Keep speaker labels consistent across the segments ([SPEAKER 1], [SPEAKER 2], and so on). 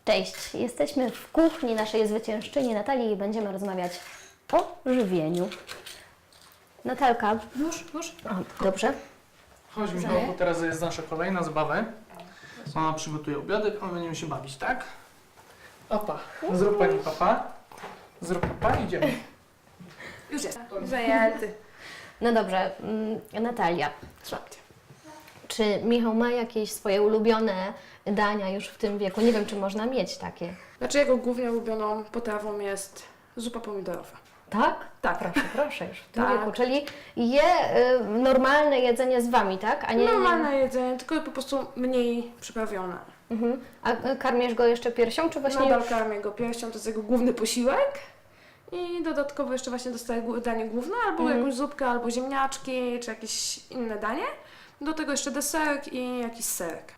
[SPEAKER 1] Cześć, jesteśmy w kuchni naszej zwyciężczyni Natalii i będziemy rozmawiać o żywieniu. Natalka.
[SPEAKER 2] Już?
[SPEAKER 1] O, dobrze.
[SPEAKER 2] Chodź Michał, bo teraz jest nasza kolejna zabawa. Mama przygotuje obiadek, a my będziemy się bawić, tak? Opa, zrób pani papa. Zrób papa, idziemy.
[SPEAKER 3] Już jest. Zajęty.
[SPEAKER 1] No dobrze, Natalia,
[SPEAKER 3] Słuchajcie.
[SPEAKER 1] czy Michał ma jakieś swoje ulubione dania już w tym wieku? Nie wiem, czy można mieć takie.
[SPEAKER 3] Znaczy jego głównie ulubioną potrawą jest zupa pomidorowa.
[SPEAKER 1] Tak?
[SPEAKER 3] Tak.
[SPEAKER 1] Proszę, już w tym
[SPEAKER 3] Tak.
[SPEAKER 1] wieku. Czyli je normalne jedzenie z Wami, tak? A nie
[SPEAKER 3] Normalne jedzenie, tylko po prostu mniej przyprawione.
[SPEAKER 1] Mhm. A karmisz go jeszcze piersią, czy właśnie
[SPEAKER 3] Nadal
[SPEAKER 1] już?
[SPEAKER 3] karmię go piersią, to jest jego główny posiłek. I dodatkowo jeszcze właśnie dostaje danie główne, albo jakąś zupkę, albo ziemniaczki, czy jakieś inne danie. Do tego jeszcze deserek i jakiś serek.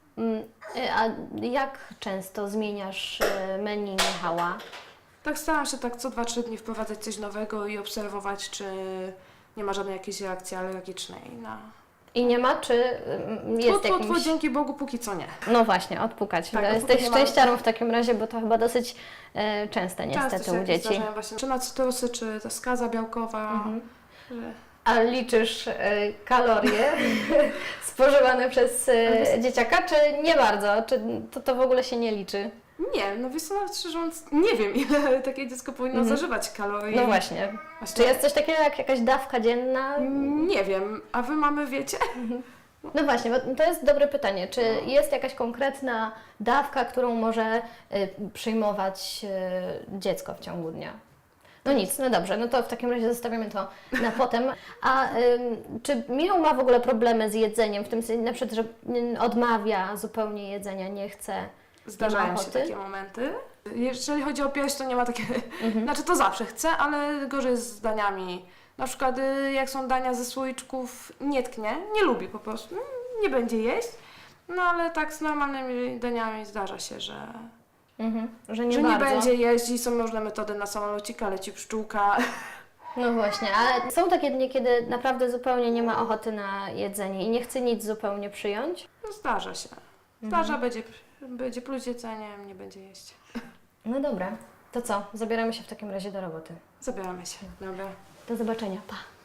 [SPEAKER 1] A jak często zmieniasz menu Michała?
[SPEAKER 3] Tak staram się tak co 2-3 dni wprowadzać coś nowego i obserwować, czy nie ma żadnej jakiejś reakcji alergicznej na...
[SPEAKER 1] I nie ma, czy jest jakimś...
[SPEAKER 3] Dzięki Bogu póki co nie.
[SPEAKER 1] No właśnie, odpukać.
[SPEAKER 3] Tak,
[SPEAKER 1] Jesteś
[SPEAKER 3] odpukać nie ma.
[SPEAKER 1] szczęściarą w takim razie, bo to chyba dosyć częste niestety
[SPEAKER 3] Często
[SPEAKER 1] u
[SPEAKER 3] się
[SPEAKER 1] dzieci.
[SPEAKER 3] zdarzają właśnie, czy na cytrusy, czy ta skaza białkowa. Że...
[SPEAKER 1] A liczysz kalorie spożywane przez dzieciaka, czy nie bardzo? Czy to w ogóle się nie liczy?
[SPEAKER 3] Nie, no wiesz co, nawet szczerze mówiąc, nie wiem ile takie dziecko powinno zażywać kalorii.
[SPEAKER 1] No właśnie. Czy jest coś takiego jak jakaś dawka dzienna?
[SPEAKER 3] Nie wiem, a wy mamy wiecie?
[SPEAKER 1] No właśnie, bo to jest dobre pytanie. Czy jest jakaś konkretna dawka, którą może przyjmować dziecko w ciągu dnia? No nic, no dobrze, no to w takim razie zostawimy to na potem. A czy Michał ma w ogóle problemy z jedzeniem, w tym sensie na przykład, że odmawia zupełnie jedzenia, nie chce, nie ma
[SPEAKER 3] Zdarzają się
[SPEAKER 1] ochoty?
[SPEAKER 3] takie momenty. Jeżeli chodzi o pierś, to nie ma takiego... Znaczy to zawsze chce, ale gorzej z daniami. Na przykład jak są dania ze słoiczków, nie tknie, nie lubi po prostu, nie będzie jeść. No ale tak z normalnymi daniami zdarza się, że
[SPEAKER 1] Że nie
[SPEAKER 3] że
[SPEAKER 1] bardzo.
[SPEAKER 3] nie będzie jeść i są różne metody na samolocika, leci pszczółka.
[SPEAKER 1] No właśnie, ale są takie dni, kiedy naprawdę zupełnie nie ma ochoty na jedzenie i nie chce nic zupełnie przyjąć?
[SPEAKER 3] No zdarza się. Zdarza, będzie pluć jedzeniem, nie będzie jeść.
[SPEAKER 1] No dobra, to co? Zabieramy się w takim razie do roboty.
[SPEAKER 3] Zabieramy się. Dobra.
[SPEAKER 1] Do zobaczenia, pa!